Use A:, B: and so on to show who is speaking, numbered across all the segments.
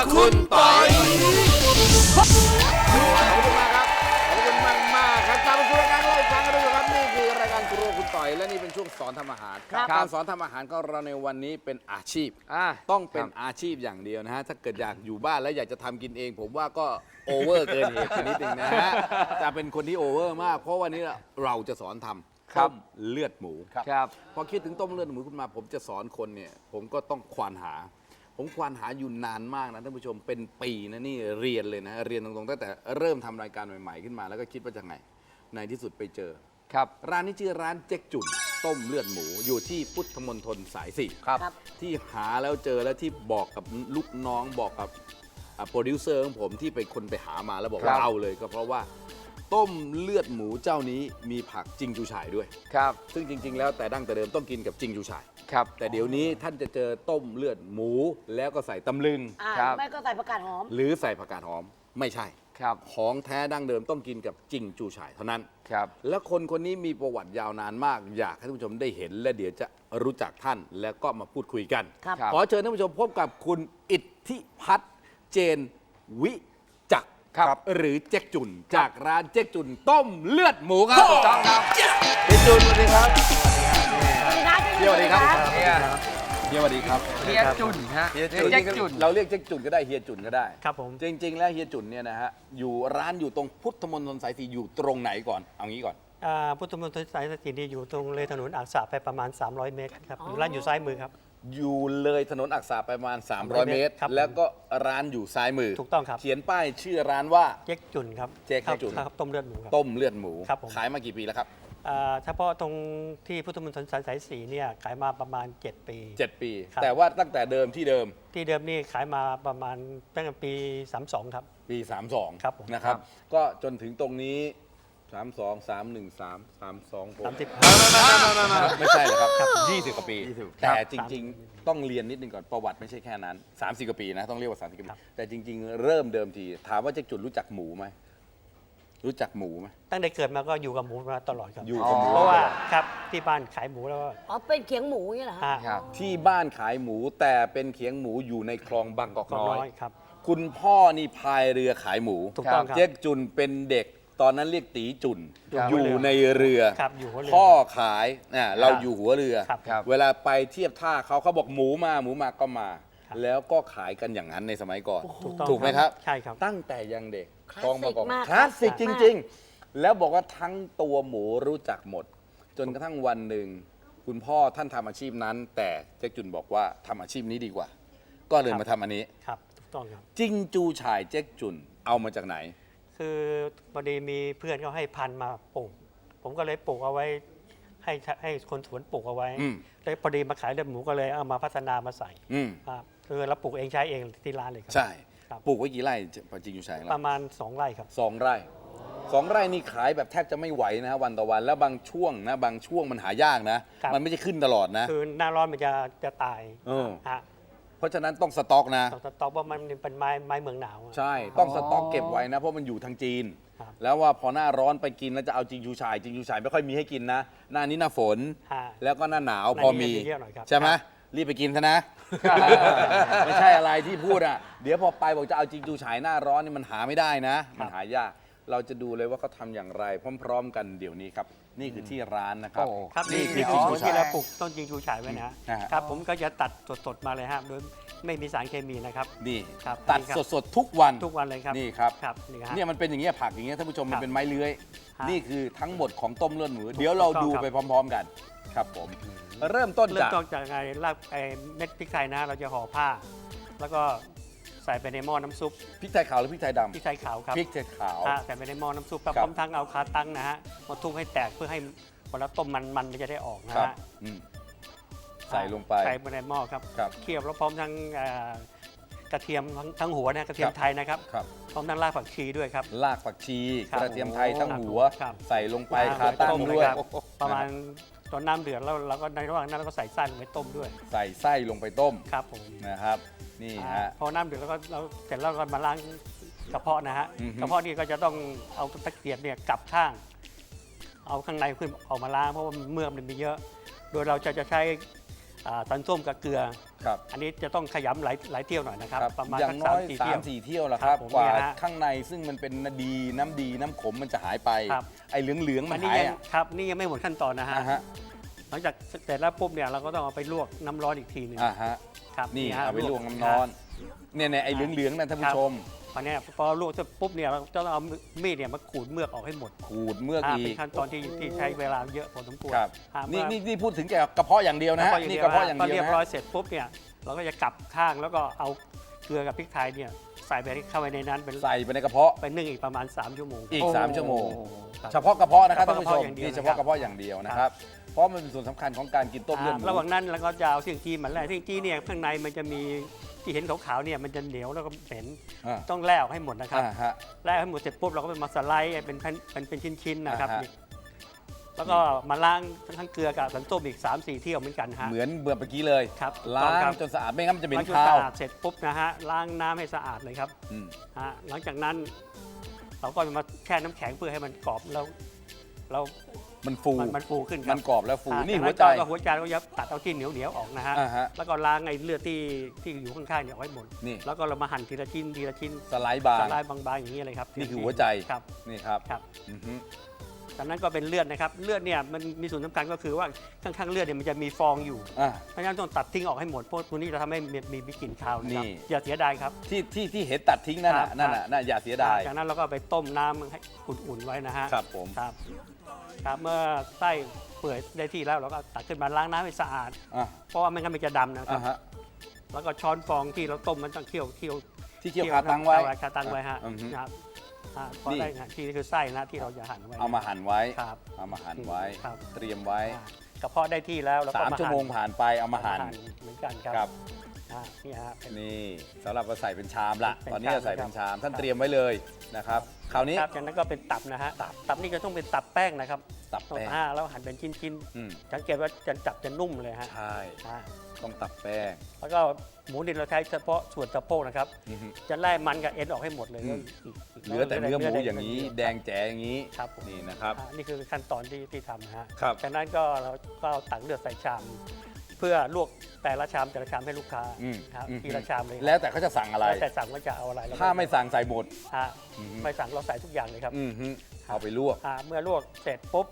A: คุณปอย
B: ขอบคุณมากครับขอบคุณมากมากครับกลับมาสู่รายการเราอีกครั้งนะครับนี่คือรายการครัวคุณต่อยและนี่เป็นช่วงสอนทำอาหารการสอนทำอาหารของเราในวันนี้เป็นอาชีพต้องเป็นอาชีพอย่างเดียวนะฮะถ้าเกิดอยากอยู่บ้านแล้วอยากจะทำกินเอง ผมว่าก็โอเวอร์เกินเหตุไปนิดนึงนะฮะจะเป็นคนที่โอเวอร์มากเพราะวันนี้เราจะสอนทำต้มเลือดหมูพอคิดถึงต้มเลือดหมูขึ้นมาผมจะสอนคนเนี่ยผมก็ต้องควานหาผมควานหาอยู่นานมากนะท่านผู้ชมเป็นปีนะนี่เรียนเลยนะเรียนตรงๆตั้งแต่เริ่มทำรายการใหม่ๆขึ้นมาแล้วก็คิดว่าจะไงในที่สุดไปเจอร้านนี้ชื่อร้านเจ๊กจุ่นต้มเลือดหมูอยู่ที่พุทธมณฑลสาย4ที่หาแล้วเจอแล้วที่บอกกับลูกน้องบอกกับโปรดิวเซอร์ของผมที่เป็นคนไปหามาแล้วบอกว่าเอาเลยก็เพราะว่าต้มเลือดหมูเจ้านี้มีผักจิงจูฉ่ายด้วยซึ่งจริงๆแล้วแต่ดั้งแต่เดิมต้องกินกับจิงจูฉ่ายแต่เดี๋ยวนี้ท่านจะเจอต้มเลือดหมูแล้วก็ใส่ตำลึง
C: ไม่ก็ใส่ผักกาดหอม
B: หรือใส่ผักกาดหอมไม่ใช่ของแท้ดั้งเดิมต้องกินกับจิงจูฉ่ายเท่านั้นและคนคนนี้มีประวัติยาวนานมากอยากให้ท่านผู้ชมได้เห็นและเดี๋ยวจะรู้จักท่านแล้วก็มาพูดคุยกันขอเชิญท่านผู้ชมพบกับคุณอิทธิพัฒน์เจนวิจักรหรือเจ๊กจุ่นจากร้านเจ๊กจุ่นต้มเลือดหมูครับเจ๊กจุ่นสวัสดีครับสวัสดีครับเฮียสวัสดีครับ
A: เฮียจุ่นฮะเฮียจุ่น
B: เราเรียกเจ๊กจุ่นก็ได้เฮียจุ่นก็ได้
D: ครับผม
B: จริงๆแล้วเฮียจุ่นเนี่ยนะฮะอยู่ร้านอยู่ตรงพุทธมณฑลสาย4อยู่ตรงไหนก่อนเอางี้ก่อน
D: พุทธมณฑลสาย4นี่อยู่ตรงเลยถนนอักษะไปประมาณ300 เมตรครับร้านอยู่ซ้ายมือครับ
B: อยู่เลยถนนอักษะไปประมาณ300 เมตรแล้วก็ร้านอยู่ซ้ายมือ
D: ถูกต้องครับ
B: เขียนป้ายชื่อร้านว่า
D: เจ๊กจุ่นครับ
B: เจ๊กจุ่น
D: ครับต้มเลือดหมูครับ
B: ต้มเลือดหมู
D: ข
B: ายมากี่ปีแล้วครับ
D: เฉพาะตรงที่พุทธมณฑลสาย4เนี่ยขายมาประมาณ7 ปี
B: แต่ว่าตั้งแต่เดิมที่เดิม
D: นี่ขายมาประมาณตั้งแต่ปี32ครับ
B: ปี32
D: ครับ
B: นะครับก็จนถึงตรงนี้32 313 32 ไม่ใช่เหรอครับ20 กว่าปีแต่จริงๆต้องเรียนนิดนึงก่อนประวัติไม่ใช่แค่นั้น30 กว่าปีนะต้องเรียกว่า30 กว่าปีแต่จริงๆเริ่มเดิมทีถามว่าเจ๊กจุ่นรู้จักหมูไหมรู้จักหมูไหม
D: ตั้งแต่เกิดมาก็อยู่กับหมูมาตลอดครับ
B: อยู่กับหมู
D: เพราะว่าครับที่บ้านขายหมูแล้ว
C: เป็นเขียงหมูนี่เหรอ
B: ครับที่บ้านขายหมูแต่เป็นเขียงหมูอยู่ในคลองบางกอกน้อย
D: ครับ
B: คุณพ่อนี่พายเรือขายหมู
D: ถูกต้องครับ
B: เจ๊กจุ่นเป็นเด็กตอนนั้นเรียกตีจุ่นอยู่ในเรือ
D: พ่
B: อขายเราอยู่หัวเรือเวลาไปเทียบท่าเขาบอกหมูมาก็มาแล้วก็ขายกันอย่างนั้นในสมัยก่อนถูกไหมครับ
D: ใช่ครับ
B: ตั้งแต่ยังเด็กคลองบางกอกคลาสสิกจริงๆแล้วบอกว่าทั้งตัวหมูรู้จักหมดจนกระทั่งวันหนึ่งคุณพ่อท่านทำอาชีพนั้นแต่เจ๊กจุ่นบอกว่าทำอาชีพนี้ดีกว่าก็เลยมาทำอันนี้
D: ครับถูกต้องครับ
B: จิงจูฉ่ายเจ๊กจุ่นเอามาจากไหน
D: คือพอดีมีเพื่อนเขาให้พันธุ์มาปลูกผมก็เลยปลูกเอาไว้ให้คนสวนปลูกเอาไว้แล้วพอดีมาขายเลือดหมูก็เลยเอามาพัฒนามาใส่คือเราปลูกเองใช้เองที่ร้านเลยครับ
B: ใช่ปลูกไว้กี่ไร่จิงจูฉ่าย
D: ประมาณ2 ไร่ครับ
B: 2 ไร่2 ไร่นี่ขายแบบแทบจะไม่ไหวนะวันต่อวันแล้วบางช่วงมันหายากนะมันไม่ใช่ขึ้นตลอดนะ
D: คือหน้าร้อนมันจะตาย
B: เพราะฉะนั้นต้องสต็อกนะ
D: ต้องสต็อกเพราะมันเป็นไม้เมืองหนาว
B: ใช่ต้องสต็อกเก็บไว้นะเพราะมันอยู่ทางจีนแล้วว่าพอหน้าร้อนไปกินแล้วจะเอาจิงจูฉ่ายไม่ค่อยมีให้กินนะหน้านี้หน้าฝนแล้วก็หน้าหนาวพอมีใช่ไหมรีบไปกินซะนะไม่ใช่อะไรที่พูดอ่ะเดี๋ยวพอไปบอกจะเอาจิงจูฉ่ายหน้าร้อนนี่มันหาไม่ได้นะมันหายากเราจะดูเลยว่าเขาทำอย่างไรพร้อมๆกันเดี๋ยวนี้ครับนี่คือที่ร้านนะครับ
D: นี่คือจิงจูฉ่ายที่เราปลูกต้นจิงจูฉ่ายไว้นะครับผมก็จะตัดสดๆมาเลยครับโดยไม่มีสารเคมีนะครับ
B: นี่ตัดสดๆทุกวัน
D: เลยครับ
B: นี่ครับเนี่ยมันเป็นอย่างเงี้ยผักอย่างเงี้ยท่านผู้ชมมันเป็นไม้เลื้อยนี่คือทั้งหมดของต้มเลือดหมูเดี๋ยวเราดูไปพร้อมๆกันครับผมเริ่มต้น
D: จากไงรากเม็ดพริกไทยนะเราจะห่อผ้าแล้วก็ใส่ไปในหม้อน้ำซุป
B: พริกไทยขาวหรือพริกไทยดำ
D: พริกไทยขาวครับ
B: พริกไทยขาว
D: ใส่ไปในหม้อน้ำซุปพร้อมทั้งเอาคาตั้งนะฮะมาทุบให้แตกเพื่อให้พอเราต้มมันจะได้ออกนะฮะ
B: ใส่ลงไป
D: ใส่ไปในหม้อครับเคี่ยวแล้วพร้อมทั้งกระเทียมทั้งหัวนะกระเทียมไทยนะครับพร้อมทั้งรากผักชีด้วยครับ
B: รากผักชีกระเทียมไทยทั้งหัวใส่ลงไปคาตั้งด้วย
D: ประมาณตอนน้ำเดือดแล้วเราก็ในระหว่างนั้นเราก็ใส่ไส้ลงไปต้มด้วย
B: ใส่ไส้ลงไปต้ม
D: ครับผม
B: นะครับนี่ฮะ
D: พอน้ำเดือดแล้วก็เราเสร็จแล้วก็มาล้างกระเพาะนะฮะกระเพาะนี่ก็จะต้องเอาตะเกียบเนี่ยกลับข้างเอาข้างในขึ้นออกมาล้างเพราะว่าเมือกมันมีเยอะโดยเราจะใช้สันส้มกับเกลือ
B: ครับ
D: อันนี้จะต้องขยำหลายเที่ยวหน่อยนะครับ
B: ครับ
D: ประมาณ
B: อย่างน้อย
D: 3-4 เที่ยว
B: 3-4 เที่ยวละครับ
D: ครับผม
B: กว่า
D: เนี่ยฮะ
B: ข้างในซึ่งมันเป็นน้ำขมมันจะหายไป
D: ครับ
B: ไอ้เหลืองๆมั
D: อั
B: น
D: นนี้
B: หาย
D: ยัง
B: อะ
D: ครับนี่ยังไม่หมดขั้นตอนนะฮะ
B: อ่าฮะ
D: หลังจากเสร็จแล้วปุ๊บเนี่ยเราก็ต้องเอาไปลวกน้ำร้อนอีกทีหนึง
B: อ่าฮะ
D: ครับ
B: นี่
D: ฮะ
B: เอาไปลวกน้ำร้อนเนี่ยไอ้เหลืองๆนั่นท่านผู้ชม
D: พอเนี่ยพอลวกเสร็จปุ๊บเนี่ยเราจะต้องเอามีดเนี่ยมาขูดเมือกออกให้หมด
B: ขูดเมือก
D: อ่า
B: อี
D: เป็น
B: ก
D: ขั้นตอนที่ใช้เวลาเยอะพอสมควร
B: ครับ
D: อ่า
B: นี่
D: เมื่อ
B: นี่พูดถึงแค่กระเพาะอย่างเดียวนะฮะนี่กระเพาะอย่าง
D: พอ
B: เดียว
D: เรียบ
B: นะ
D: ร้อย
B: ฮะ
D: เสร็จปุ๊บเนี่ยเราก็จะกลับข้างแล้วก็เอาเกลือกับพริกไทยเนี่ยใส่ไปเข้าไปในนั้นเป็น
B: ใส่ไปในกระเพาะ
D: ไปนึ่งอีกประมาณ3 ชั่วโมง
B: อีก 3 ชั่วโมง
D: ครับ
B: เฉพาะกระเพาะนะครับ
D: เฉ
B: ท่าน
D: พาะ
B: ผู้ชม
D: อย่างเดียว
B: นี่เฉพาะกระเพาะอย่างเดียวนะครับ เพราะมันเป็นส่วนสำคัญของการกินต้มเลือดหมู
D: ระหว่างนั้นเราก็จะเอาเสี่ยงจี้มันแล่เสี่ยงจี้เนี่ยข้างในมันจะมีที่เห็นขาวๆเนี่ยมันจะเหนียวแล้วก็เหม็น
B: อ่า
D: ต้องแล่ออกให้หมดนะครับ
B: ฮะ
D: แล่ให้หมดเสร็จปุ๊บเราก็ไปมาสไลด์เป็นชิ้นๆนะครับ
B: อ่าฮะ
D: นี่แล้วก็มาล้างทั้งเกลือกับสันส้มอีก 3-4 เที่ยวเหมือนกันฮะ
B: เหมือนเมื่อกี้เลย
D: ครับ
B: ล้า
D: ต้องครั
B: ง
D: บ
B: จนสะอาดไม่งั้นมันจะเหม็น
D: ล้างจน
B: คา
D: สะ
B: ว
D: อาดเสร็จปุ๊บนะฮะล้างน้ำให้สะอาดเลยครับ
B: อืม
D: ฮะหลังจากนั้น เราก็มาแช่น้ำแข็งเพื่อให้มันกรอบแล้วเรา
B: มันฟู
D: มันฟูขึ้นค
B: มั
D: รับ
B: นกรอบแล้วฟู
D: อ่า
B: นี่
D: จาก
B: หัวใจ
D: ก็หัวใจเราจะตัดเอาที่เหนียวๆออกนะฮะ
B: อ่าฮะ
D: แล้วก็ล้างไอ้เลือดที่อยู่ข้างๆเนี่ยเอาไว้หมด
B: นี่
D: แล้วก็เรามาหั่นทีละชิ้นทีละชิ้น
B: สไลด์บาง
D: สไลด์บางๆอย่างนี้เลยครับ
B: นี่คือหัวใจ
D: ครับ
B: นี่ครับ
D: ครับ
B: อือฮึ
D: จากนั้นก็เป็นเลือดนะครับเลือดเนี่ยมันมีส่วนสำคัญก็คือว่าข้างๆเลือดเนี่ยมันจะมีฟองอยู่
B: อ่ะ
D: เพราะฉะนั้นต้องตัดทิ้งออกให้หมดเพราะตัวนี้จะทำให้มีกลิ่นคาวนะครับ
B: นี่
D: อย่าเสียดายครับ
B: ที่เห็นตัดทิ้งนั่น
D: ครั
B: น่ะ
D: บ
B: นั่นน่ะน่ะอย่าเสียดาย
D: จากนั้นเราก็ไปต้มน้ำให้อุ่นๆไว้นะฮะ
B: ครับผม
D: ครับครับเมื่อไส้เปื่อยได้ที่แล้วเราก็ตักขึ้นมาล้างน้ำให้สะอาด
B: อ่ะ
D: เพราะว่าไม่งั้นมันจะดำนะครั
B: อ่ะ
D: บ
B: ฮะ
D: แล้วก็ช้อนฟองที่เราต้มมันต้องเคี่ยว
B: ที่เคี่ยวคาตังไว้
D: คาตังไว้ฮะ
B: อือฮึ
D: นะครับพอ
B: นี่
D: ได้นะที่นี่คือไส้นะที่เราจะหั่นไว้
B: เอามาหั่นไว้
D: ครับ
B: เอามาหั่นไว้
D: ครับ
B: เตรียมไว้
D: กระเพาะได้ที่แล้วเราก็
B: 3 ชั่วโมงผ่านไปเอามาหั่น
D: เหมือนกันครับ
B: ครับ
D: นี่ฮะเป็น
B: นี่สำหรับเราใส่เป็นชามละ
D: เป็น
B: ตอนนี้เราใส่เป็นชาม
D: ครับ
B: ท่านเตรียมไว้เลยนะครับ คราวนี้
D: ครับจากนั้นก็เป็นตับนะฮะตับนี่ก็ต้องเป็นตับแป้งนะครับ
B: ตับแป้ง
D: แล้วหั่นเป็นชิ้น
B: อืม
D: ๆสังเกตว่าจับจะนุ่มเลยฮะ
B: ใช่
D: อ่า
B: ต้องตับแป้ง
D: แล้วก็หมูดินเราใช้เฉพาะส่วนสะโพกนะครับ
B: อือฮึ
D: จะไล่มันกับเอ็นออกให้หมดเลย
B: อืม
D: ก
B: เหลือแต่เนื้อหมูอย่างนี้
D: นี้
B: แดงแจ๋อย่างนี้
D: ครับผม
B: นี่นะครับ
D: นี่คือขั้นตอนที่ทำนะฮะ
B: ครับ
D: จากนั้นก็เราก็เอาตักเลือดใส่ชาม เพื่อลวกแต่ละชามให้ลูกค้า
B: อืม
D: ครับ
B: อืม
D: ทีละชามเลย
B: แล้วแต่เขาจะสั่งอะไร
D: แล้วแต่สั่งว่าจะเอาอะไรแล้วก็
B: ถ้าไม่สั่งใส่หมด
D: ฮะ
B: อืม
D: ไม่สั่งเราใส่ทุกอย่างเลยครับ
B: อือฮึเอาไปลวก
D: เมื่อลวกเสร็จปุ๊บ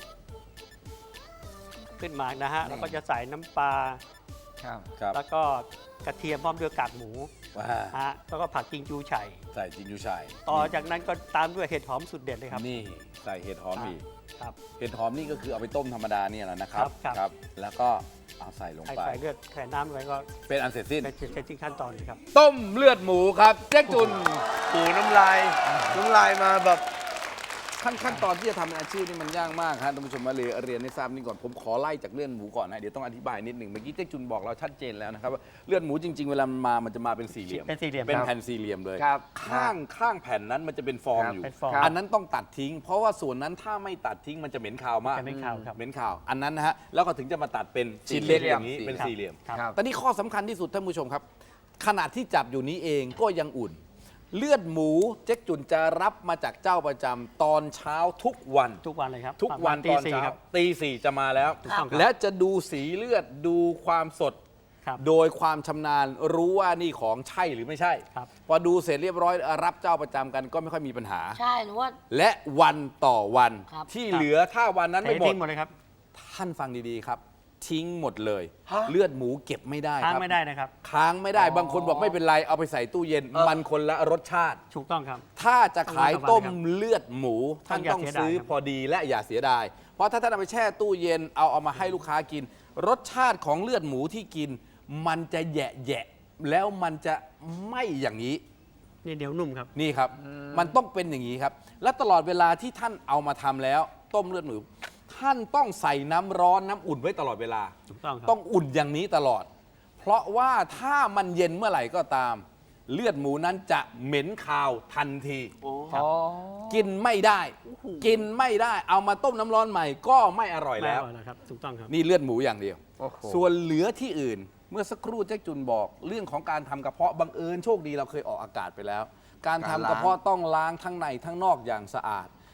D: ขึ้นมานะฮะเราก็จะใส่น้ำปลา
A: ครับ
B: ครับ
D: แล้วก็กระเทียมพร้อมด้วยกากหมู
B: ว่า
D: ฮะแล้วก็ผักกิงจูไฉ่
B: ใส่จินยูชัย
D: ต่อจากนั้นก็ตามด้วยเห็ดหอมสุดเด็ดเลยครับ
B: นี่ใส่เห็ดหอมอีก
D: ครับ
B: เห็ดหอมนี่ก็คือเอาไปต้มธรรมดาเนี่ยแหละนะครับ
D: ครับ
B: แล้วก็เอาใส่ลง
D: ใส่
B: ไป
D: ใส่เลือดใส่น้ำไว้ก็
B: เป็นอันเสร็จสิ้น
D: เป็นเสร็จสิ้นขั้นตอนเลยครับ
B: ต้มเลือดหมูครับเจ๊กจุน
A: ปูน้ำลายมาแบบ
B: ขั้นตอนที่จะทำเป็นอาชีพนี่มันยากมากครับท่านผู้ชมมาเลยเรียนให้ทราบนี่ก่อนผมขอไล่จากเลือดหมูก่อนนะเดี๋ยวต้องอธิบายนิดหนึ่งเมื่อกี้เจ๊กจุนบอกเราชัดเจนแล้วนะครับว่าเลือดหมูจริง ๆ เวลามันจะมาเป็นสี่เหลี่ยม
D: เป็นสี่เหลี่ยม
B: เป็น
D: ครับ
B: แผ่นสี่เหลี่ยมเลย
A: ครับ
B: ข้างแผ่นนั้นมันจะเป็นฟอง
A: ครับ
B: อยู่
D: เป็นฟอง
B: อันนั้นต้องตัดทิ้ง เพราะว่าส่วนนั้นถ้าไม่ตัดทิ้งมันจะเหม็นคาวมาก
D: จะเหม็นคาวครับ
B: เหม็นคาวอันนั้นนะฮะแล้วก็ถึงจะมาตัดเป็นชิ้นเล็กอย่างนี้เป็นสี่เหลี่ยม
D: ครับ
A: ครับ
B: ตอนนี้ข้อสำคัญที่สุดท่านผู้ชมครับ ขณะที่จับอยู่นี้เองก็ยังอุ่น เลือดหมูเจ๊กจุนจะรับมาจากเจ้าประจำตอนเช้าทุกวัน
D: ทุกวันเลยครับ
B: ทุกวัน
D: ประ
B: ต
D: มาณ
B: อน
D: 4
B: เช้า
D: ครับ
B: ตีสี่จะมาแล้ว
D: ถูกต้องครับ
B: และจะดูสีเลือดดูความสด
D: ครับ
B: โดยความชำนาญรู้ว่านี่ของใช่หรือไม่ใช่
D: ครับ
B: พอดูเสร็จเรียบร้อยรับเจ้าประจำกันก็ไม่ค่อยมีปัญหา
C: ใช่หนูว่า
B: และวันต่อวัน
C: ครับ
B: ที่เหลือถ้าวันนั้น
D: เท
B: ไม่หมด
D: ทิ้งหมดเลยครับ
B: ท่านฟังดีๆครับ ทิ้งหมดเลย
A: ฮะ
B: เลือดหมูเก็บไม่ได้
D: ค้าง
B: ครับ
D: ไม่ได้นะครับ
B: ค้างไม่ได้
A: อ๋อ
B: บางคนบอกไม่เป็นไรเอาไปใส่ตู้เย็น มันคนละรสชาติ
D: ถูกต้องครับ
B: ถ้าจะขาย
D: ต้อง
B: ต้ม
D: ครับ
B: เลือดหมูท่านต้องซื้อ
D: ครับ
B: พอดีและอย่าเสียดาย เพราะถ้าท่านเอาไปแช่ตู้เย็นเอามาให้ลูกค้ากิน รสชาติของเลือดหมูที่กิน มันจะแยะๆแล้วมันจะไม่อย่างนี้
D: นี่เดี๋ยวนุ่มครับ
B: นี่ครับ มันต้องเป็นอย่างนี้ครับ และตลอดเวลาที่ท่านเอามาทำแล้ว ต้มเลือดหมูท่านต้องใส่น้ำร้อนน้ำอุ่นไว้ตลอดเวลา
D: ถูกต้องครับ
B: ต้องอุ่นอย่างนี้ตลอด เพราะว่าถ้ามันเย็นเมื่อไหร่ก็ตาม เลือดหมูนั้นจะเหม็นคาวทันที
A: อ๋อ
B: กินไม่ได้ กินไม่ได้ เอามาต้มน้ำร้อนใหม่ก็ไม่อร่อย
D: ไม่
B: แล้ว
D: อร่อยแล้วครับ ถูกต้องครับ
B: นี่เลือดหมูอย่างเดียว
A: โอ้โห
B: ส่วนเหลือที่อื่น เมื่อสักครู่เจ๊กจุนบอก เรื่องของการทำกระเพาะบังเอิญโชคดีเราเคยออกอากาศไปแล้ว การทำกระเพาะต้องล้างทั้งในทั้งนอกอย่างสะอาด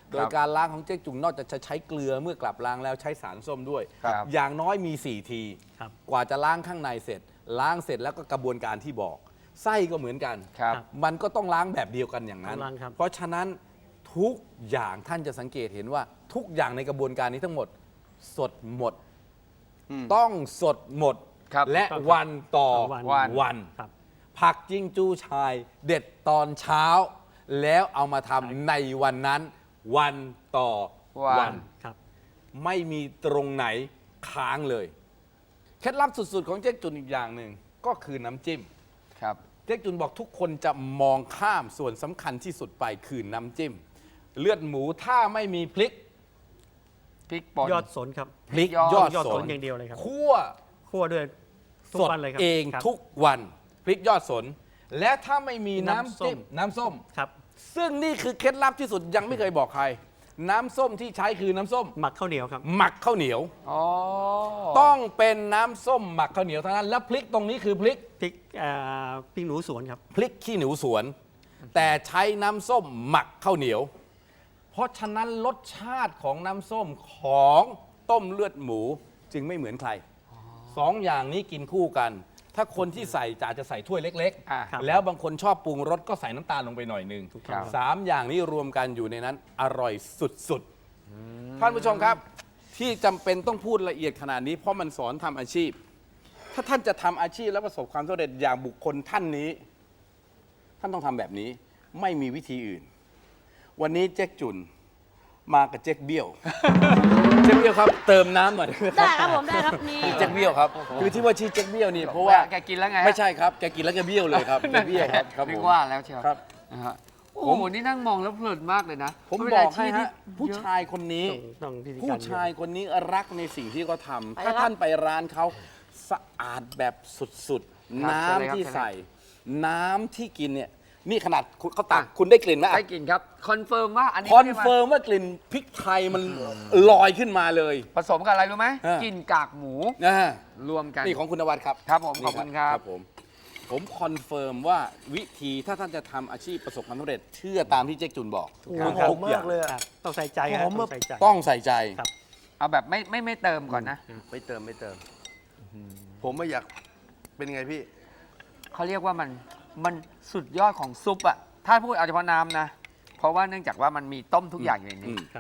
B: โดยการล้างของเจ๊กจุ่นนอกจากจะใช้เกลือเมื่อกลับล้างแล้วใช้สารส้มด้วย
A: ครับ
B: อย่างน้อยมี 4 ที
D: ครับ
B: กว่าจะล้างข้างในเสร็จ ล้างเสร็จแล้วก็กระบวนการที่บอก ไส้ก็เหมือนกัน
A: ครับ
B: มันก็ต้องล้างแบบเดียวกันอย่างนั้น
D: ต้องล้างครับ
B: เพราะฉะนั้นทุกอย่างท่านจะสังเกตเห็นว่าทุกอย่างในกระบวนการนี้ทั้งหมดสดหมด ต้องสดหมด
A: ครับ
B: และวันต่อ
D: วัน
B: วัน
D: ครับ
B: ผักจิ้งจู้ชาย เด็ดตอนเช้า แล้วเอามาทำในวันนั้น วันต่อ
A: วั
B: วัน
A: น
D: ครับ
B: ไม่มีตรงไหนค้างเลย เคล็ดลับสุดๆของเจ๊กจุนอีกอย่างหนึ่งก็คือน้ำจิ้ม
A: ครับ
B: เจ๊กจุนบอกทุกคนจะมองข้ามส่วนสำคัญที่สุดไปคือน้ำจิ้ม เลือดหมูถ้าไม่มีพริก
A: พริกป่น
D: ยอดสนครับ
B: พริก
A: ยอด
B: ยอด
D: ยอด
B: ส
D: ส
B: น
D: นอย่างเดียวเลยครับ
B: คั่ว
D: คั่วด้วยทุก
B: สด
D: วันเลยครับ
B: เอง
D: ครับ
B: ทุกวันพริกยอดสน และถ้าไม่มีน้ำ
D: น้ำส้
B: จิ้ม
D: ม
B: น้ำส้ม
D: ครับ
B: ซึ่งนี่คือเคล็ดลับที่สุดยังไม่เคยบอกใคร น้ำส้มที่ใช้คือน้ำส้ม
D: หมักข้าวเหนียวครับ
B: หมักข้าวเหนียว
A: อ๋อ
B: ต้องเป็นน้ำส้มหมักข้าวเหนียวเท่านั้นแล้วพริกตรงนี้คือพริก
D: พริกพริกหนูสวนครับ
B: พริกขี้หนูสวน แต่ใช้น้ำส้มหมักข้าวเหนียว เพราะฉะนั้นรสชาติของน้ำส้มของต้มเลือดหมูจึงไม่เหมือนใครสองอย่างนี้กินคู่กัน ถ้าคนที่ใส่จะใส่ถ้วยเล็ก
A: อ่ะ
D: ครับ
B: แล้วบางคนชอบปรุงรสก็ใส่น้ำตาลลงไปหน่อยหนึง
A: ครับ
B: สามอย่างนี้รวมกันอยู่ในนั้นอร่อยสุดๆท่านผู้ชมครับ ที่จำเป็นต้องพูดละเอียดขนาดนี้ เพราะมันสอนทำอาชีพ ถ้าท่านจะทำอาชีพแล้วประสบความสำเร็จอย่างบุคคลท่านนี้ ท่านต้องทำแบบนี้ไม่มีวิธีอื่น วันนี้เจ๊กจุนมากับเจ๊กเบี้ยว เจ๊กเบี้ยวครับ เติมน้ำหน่อย
C: ได้ครับผมได้ครับนี่
B: เจ๊กเบี้ยวครับคือที่ว่าชื่อเจ๊กเบี้ยวนี่เพราะว่า
A: แกกินแล้วไงฮะ
B: ไม่ใช่ครับแกกินแล้วแกเบี้ยวเลยครับแกเบี้ยวครับครับ
A: นึ
B: ผ
A: ก
B: ม
A: ว่าแล้วเชียว
B: ครับ
A: นะฮะโอ้โหนี่นั่งมองแล้วเพลินมากเลยนะ
B: ผม
A: เป็น
B: บอก
A: า
B: ให้
A: ชีพที่
B: ฮะผู้ชายคนนี้
D: ต้องพิธี
B: ผู้
D: การ
B: ชายคนนี้รักในสิ่งที่เขาทำ
C: ไป
B: ถ้า
C: ครับ
B: ท่านไปร้านเขาสะอาดแบบสุดๆ น้ำที่ใส่ น้ำที่กินเนี่ย นี่ขนาดเขาตักคุณได้กลิ่นไหม
A: ได้กินครับ คอนเฟิร์มว่าอันนี้
B: คอน
A: ไม่ได้มา
B: เฟิร์มว่ากลิ่นพริกไทยมันลอยขึ้นมาเลย
A: ผสมกับอะไรรู้ไหม
B: ฮะ
A: กลินกากหมู
B: นะฮะ
A: รวมกัน
B: นี่ของคุณนวัดครับ
A: ครับผม
B: นี่
A: ขอบคุณครับ
B: ผมคอนเฟิร์มว่าวิธีถ้าท่านจะทำอาชีพประสบความสำเร็จเชื่อตามที่เจ๊กจุนบอก
D: ครับ
B: ทุกอย่าง
D: ครับต้องใส่ใจครับต้องใส่ใจ
B: ต้องใส่ใจ
D: ครับ
A: เอาแบบไม่เติมก่อนนะ
E: ไม่เติมไม่เติม ผมไม่อยากเป็นไงพี่
A: เขาเรียกว่ามันสุดยอดของซุปอะถ้าพูดเอาเฉพาะน้ำนะ เพราะว่าเนื่องจากว่ามันมีต้มทุกอย่างอยู่ในนี้
D: ครับ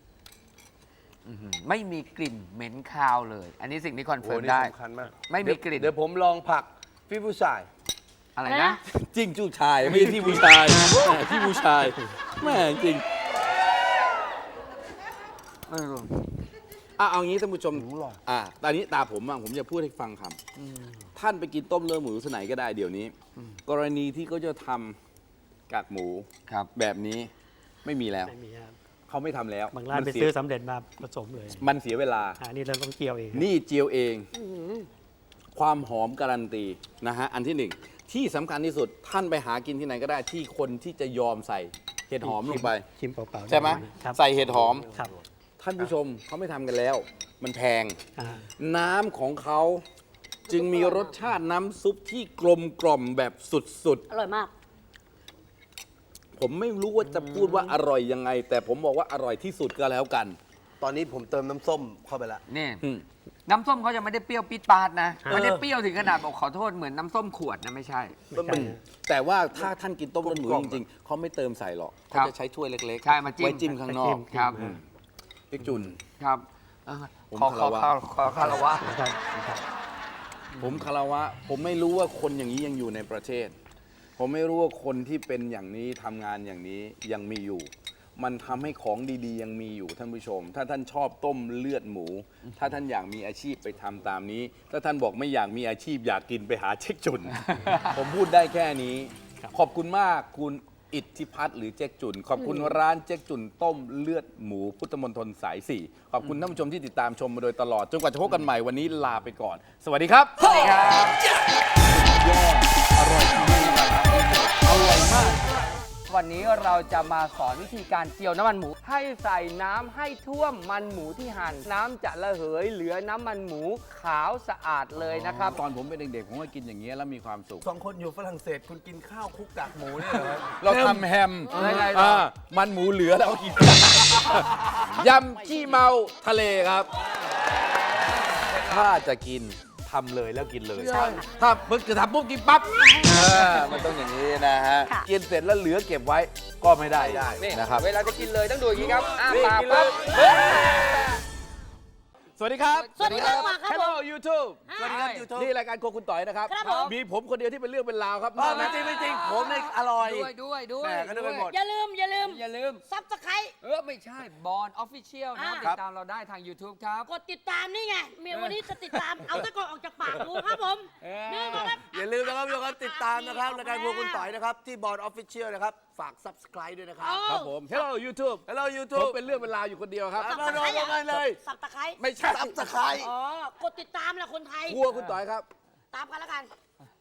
A: ไม่มีกลิ่นเหม็นคาวเลย อันนี้สิ่งที่คอน
E: โอ้
A: เฟิร์ม
E: นี่
A: ได้
E: สำคัญมาก
A: ไม่มีกลิ่น
E: เดี๋ยวผมลองผักพี่ผู้ชาย
A: อะไรนะ
B: จริงจู้ชายไม่ใช่ที่ผู้ชายที่ผู้ชายแม่จริง
A: ไม่รู้
B: เอางี้ท่านผู้ชมตอนนี้ตาผมบ้างผมจะพูดให้ฟังคำท่านไปกินต้มเลือดหมูที่ไหนก็ได้เดี๋ยวนี้ กรณีที่เขาจะทำกากหมู
A: ครับ
B: แบบนี้ไม่มีแล้ว
D: ไม่มีครับ
B: เขาไม่ทำแล้ว
D: บางร้านไป
B: เสีย
D: ซื้อสำเร็จมาผสมเลย
B: มันเสียเวลา
D: นี่เราต้องเกี่ยวเอง
B: นี่เจียวเอง ความหอมการันตีนะฮะ อันที่หนึ่งที่สำคัญที่สุดท่านไปหากินที่ไหนก็ได้ที่คนที่จะยอมใส่เห็ดหอมลงไป
D: ชิมเปล่าๆ
B: ใช่ไหม
D: ครับ
B: ใส่เห็ดหอม
D: ครับ
B: ท่านผู้ชมเขาไม่ทำกันแล้ว มันแพง
D: อ่า
B: น้ำของเขาจึงมีรสชาติน้ำซุปที่กลมกล่อมแบบสุด
C: อร่อยมาก
B: ๆ ผมไม่รู้ว่าจะพูดว่าอร่อยยังไง แต่ผมบอกว่าอร่อยที่สุดก็แล้วกัน
E: ตอนนี้ผมเติมน้ำส้มเข้าไปละ
A: นี่
B: อืม
A: น้ำส้มเขาจะไม่ได้เปรี้ยวปิดปาดนะไม่ได้เปรี้ยวถึงขนาดบอกขอโทษเหมือนน้ำส้มขวดนะไม่ใช่
D: ไม่ใช่
B: แต่ว่าถ้าท่านกินต้มเลือดหมูจริงๆเขาไม่เติมใส่หรอก
A: ครั
B: เขา
A: บ
B: จะใช้ถ้วยเล็กๆ
A: ใช่มาจิ้ม
B: ไว้จิ้มข้างนอก
A: ครับ
B: พี่จุน
A: ครับเออ
B: ผม
A: ขอ
B: คารวะ
A: คารวะ
D: ครับครับ
B: ผมคารวะผมไม่รู้ว่าคนอย่างนี้ยังอยู่ในประเทศ ผมไม่รู้ว่าคนที่เป็นอย่างนี้ทำงานอย่างนี้ยังมีอยู่ มันทำให้ของดีๆ ยังมีอยู่ท่านผู้ชม ถ้าท่านชอบต้มเลือดหมู ถ้าท่านอยากมีอาชีพไปทำตามนี้ ถ้าท่านบอกไม่อยากมีอาชีพอยากกินไปหาเจ๊กจุน ผมพูดได้แค่นี้ ขอบคุณมากคุณอิทธิพัฒน์หรือเจ๊กจุน ขอบคุณร้านเจ๊กจุนต้มเลือดหมูพุทธมณฑลสาย 4 ขอบคุณท่านผู้ชมที่ติดตามชมมาโดยตลอดจนกว่าจะพบกันใหม่วันนี้ลาไปก่อน สวัสดีครับ
A: สวัสดีครับ
B: ยอดอร่อยจริงๆครับอร่อยมาก
A: วันนี้เราจะมาสอนวิธีการเจียวน้ำมันหมู ให้ใส่น้ำให้ท่วมมันหมูที่หั่นน้ำจะระเหยเหลือน้ำมันหมูขาวสะอาดเลยนะครับ
B: ตอนผมเป็นเด็กๆ ผมก็กินอย่างนี้ยแล้วมีความสุข
E: 2 คนอยู่ฝรั่งเศสคุณกินข้าวคลุกกากหมูเนี่ยเหรอ
B: เราทำแฮม
A: ยังไงล่ะ
B: มันหมูเหลือแล้วก็กิน ยำขี้เมาทะเลครับ ถ้าจะกินทำเลยแล้วกินเลย ถ้าเพิ่งจะทำปุ๊บกินปั๊บมันต้องอย่างนี้นะฮะ กินเสร็จแล้วเหลือเก็บไว้ก็ไม่ได้
A: นี่
B: นะครับ
A: เวลาจะกินเลยต้องดูอย่างนี้ครับอ้า
B: นี่
A: ปาก
B: กินเลย
A: ปั๊บ
B: สวัสดีครับ
C: สวัสดีครับมาครับผม
B: Hello YouTube
C: สวัสดีครับ
E: YouTube
B: นี่รายการโครัวคุณต่อยนะครับ
C: ครับผม
B: มีผมคนเดียวที่เป็นเรื่องเป็นราวครับ
E: ไม่จริงไม่จริงผมเนี่ยอร่อย
A: ด้วย
E: แหม่ก็นึกไปหมด
C: อย่าลืม
A: อย่าลืม
C: ซับสไครต์
A: ไม่ใช่บอลออฟฟิเชียลนะ
C: อ่า
A: ติดตามเราได้ทาง YouTube ครับ
C: กดติดตามนี่ไงเมียวันนี้จะติดตาม เอาตะกอนออกจากปากดูครับผมนี่มาครับ
E: อย่าลืมนะครับทุกคนติดตามนะครับรายการครัวคุณต่อยนะครับ ที่บอร์ดออฟฟิเชียลนะครับ ฝาก subscribe ด้วยนะครับ
B: ครับผม Hello YouTube
E: Hello
B: ผม
E: YouTube
B: เป็นเรื่องเป็นราวอยู่คนเดียวครับ
E: มาลงกันเลย
C: สับตะไคร้
B: ไม่ใช่
E: subscribe
C: อ๋อกดติดตามแหละคนไทย
B: ครัวคุณต่อยครับ
C: ตามกันแล้วกัน